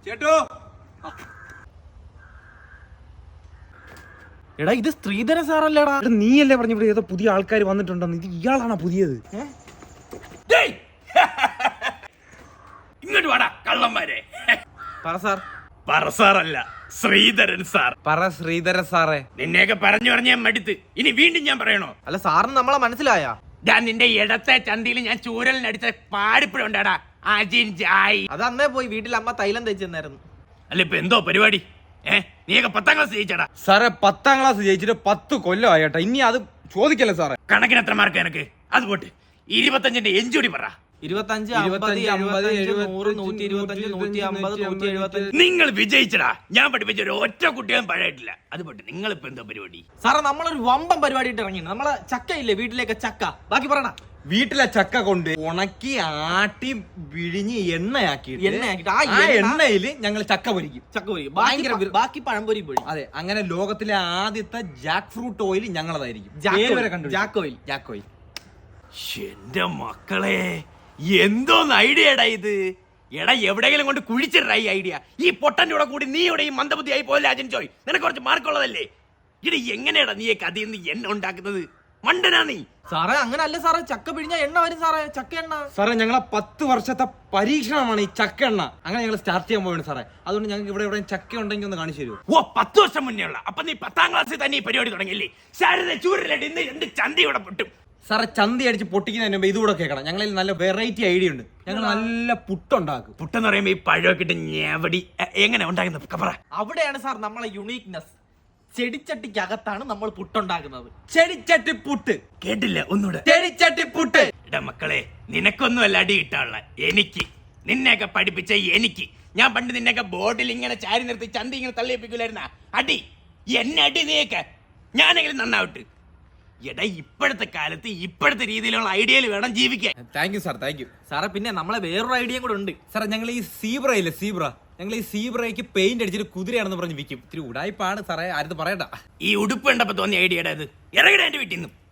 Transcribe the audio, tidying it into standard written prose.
ചേട്ടോ എടാ ഇത് ശ്രീധരൻ സാറല്ലേടാ? നീയല്ലേ പറഞ്ഞു ഇവിടെ ഏതോ പുതിയ ആൾക്കാർ വന്നിട്ടുണ്ടെന്ന്. ഇത് ഇയാളാണോ പുതിയത്? ഇങ്ങോട്ട് വാടാ കള്ളന്മാരെ. പറ സാർ. പറ സാറല്ല, ശ്രീധരൻ സാർ. പറ ശ്രീധരൻ സാറേ. നിന്നെയൊക്കെ പറഞ്ഞു പറഞ്ഞ ഞാൻ മടുത്ത്. ഇനി വീണ്ടും ഞാൻ പറയണോ? അല്ല സാറിന് നമ്മളെ മനസ്സിലായ? ഞാൻ നിന്റെ ഇടത്തെ ചന്തിയിൽ ഞാൻ ചൂരലിനടിച്ച പാടിപ്പഴുണ്ടാടാ അജിൻ ജായി. അത് അന്നേ പോയി വീട്ടിൽ അമ്മ തൈലം തേച്ചെന്നായിരുന്നു. അല്ല ഇപ്പൊ എന്തോ പരിപാടി? നീയൊക്കെ 10ാം ക്ലാസ് ജയിച്ചടാ. സാറേ 10ാം ക്ലാസ് ജയിച്ചിട്ട് 10 കൊല്ലമായി ഏട്ടാ. ഇനി അത് ചോദിക്കല്ലേ സാറേ. കണക്കിന് എത്ര മാർക്ക് എനിക്ക്? അത് പോട്ട് 25ന്റെ എഞ്ചൂടി പറ. 25, 50, 75, 100, 125, 150, 175. നിങ്ങൾ വിജയിച്ചടാ. ഞാൻ പഠിപ്പിച്ച ഒരു ഒറ്റ കുട്ടികളും പഴയിട്ടില്ല. അത് പോട്ട് നിങ്ങൾ ഇപ്പൊ എന്തോ പരിപാടി? സാറേ നമ്മളൊരു വമ്പൻ പരിപാടി ഇട്ട് ഇറങ്ങി. നമ്മളെ ചക്ക ഇല്ലേ വീട്ടിലേക്ക് ചക്ക, ബാക്കി പറയണ. വീട്ടിലെ ചക്ക കൊണ്ട് ഉണക്കി ആട്ടി വിഴിഞ്ഞ് എണ്ണയാക്കി ആ എണ്ണയില് ഞങ്ങൾ ചക്ക പൊരിക്കും. ചക്ക പൊരിക്കും, ബാക്കി പഴംപൊരി പൊരി. അതെ, അങ്ങനെ ലോകത്തിലെ ആദ്യത്തെ ജാക്ക് ഫ്രൂട്ട് ഓയിൽ ഞങ്ങളതായിരിക്കും. Jack oil. എന്റെ മക്കളെ, എന്തോന്ന് ഐഡിയടാ ഇത്. എടാ എവിടെയെങ്കിലും കൊണ്ട് കുഴിച്ചിട ഈ ഐഡിയ. ഈ പൊട്ടന്റെ കൂടെ കൂടി നീ ഇവിടെ ഈ മന്ദബുദ്ധി ആയി പോലെ അജൻ ചോയ്. നിനക്ക് കുറച്ച് മാർക്കുള്ളതല്ലേ? ഇടി എങ്ങനെയാടാ നീ കഥയിൽ നിന്ന് എണ്ണ ഉണ്ടാക്കുന്നത്? മണ്ടനാ നീ. സാറേ അങ്ങനെ അല്ല സാറേ, ചക്ക പിഴിഞ്ഞ എണ്ണ വരും സാറേ, ചക്ക എണ്ണ. സാറേ ഞങ്ങളെ 10 വർഷത്തെ പരീക്ഷണമാണ് ഈ ചക്ക എണ്ണ. അങ്ങനെ ഞങ്ങൾ സ്റ്റാർട്ട് ചെയ്യാൻ പോവാണ് സാറേ. അതുകൊണ്ട് ഞങ്ങൾക്ക് ഇവിടെ ചക്ക ഉണ്ടെങ്കിൽ ഒന്ന് കാണിച്ചു തരുമോ? ഓ 10 വർഷം മുന്നേ ഉള്ള. അപ്പൊ നീ 10ാം ക്ലാസ്സിൽ തന്നെ ഈ പരിപാടി തുടങ്ങിയില്ലേ? ശാരദ ചൂരലടി ഇന്ന് 2 ചന്തി ഇവിടെ പൊട്ടും. സാറേ ചന്തി അടിച്ച് പൊട്ടിക്കുന്നതിന് മുമ്പ് ഇതുകൂടെ കേൾക്കണം. ഞങ്ങളിൽ നല്ല വെറൈറ്റി ഐഡിയ ഉണ്ട്. ഞങ്ങൾ നല്ല പുട്ടുണ്ടാക്കും. പുട്ടെന്ന് പറയുമ്പോ ഈ പഴമൊക്കെ ഇട്ട് ഞെവടി എങ്ങനെ ഉണ്ടാക്കുന്നത് പറ. അവിടെയാണ് സാർ നമ്മളെ യുണീക്നെസ്. ചെടിച്ചട്ടിക്കകത്താണ് നമ്മൾ പുട്ടുണ്ടാക്കുന്നത്. ചെടിച്ചട്ടി പുട്ട്. കേട്ടില്ല? ഒന്നുകൂടെ. ചെടിച്ചട്ടി പുട്ട്. എടാ മക്കളെ, നിനക്കൊന്നും അല്ല അടി കിട്ടാനുള്ള. എനിക്ക്, നിന്നെയൊക്കെ പഠിപ്പിച്ച എനിക്ക്. ഞാൻ പണ്ട് നിന്നെയൊക്കെ ബോർഡിൽ ഇങ്ങനെ ചാരി നിർത്തി ചന്തി ഇങ്ങനെ തള്ളിയേപ്പിക്കൂലായിരുന്ന അടി. എന്നെ അടി നീയൊക്കെ. ഞാനെങ്കിലും നന്നാവട്ടെ. എടാ ഇപ്പോഴത്തെ കാലത്ത് ഇപ്പോഴത്തെ രീതിയിലുള്ള ഐഡിയയിൽ വേണം ജീവിക്കാൻ. Thank you sir, thank you സാറേ. പിന്നെ നമ്മളെ വേറൊരു ഐഡിയയും കൂടെ ഉണ്ട് സാറേ. ഞങ്ങൾ ഈ സീബ്ര ഇല്ലേ, ഞങ്ങൾ ഈ സീബ്രയ്ക്ക് പെയിന്റ് അടിച്ചിട്ട് കുതിരയാണെന്ന് പറഞ്ഞ് വിൽക്കും. ഇത്തിരി ഉടായിപ്പാണ് സാറേ, ആരും പറയണ്ട. ഈ ഉടുപ്പ് കണ്ടപ്പോ തോന്നിയ ഐഡിയയുടെ അത് ഇറങ്ങിട എന്റെ വീട്ടിൽ നിന്നും.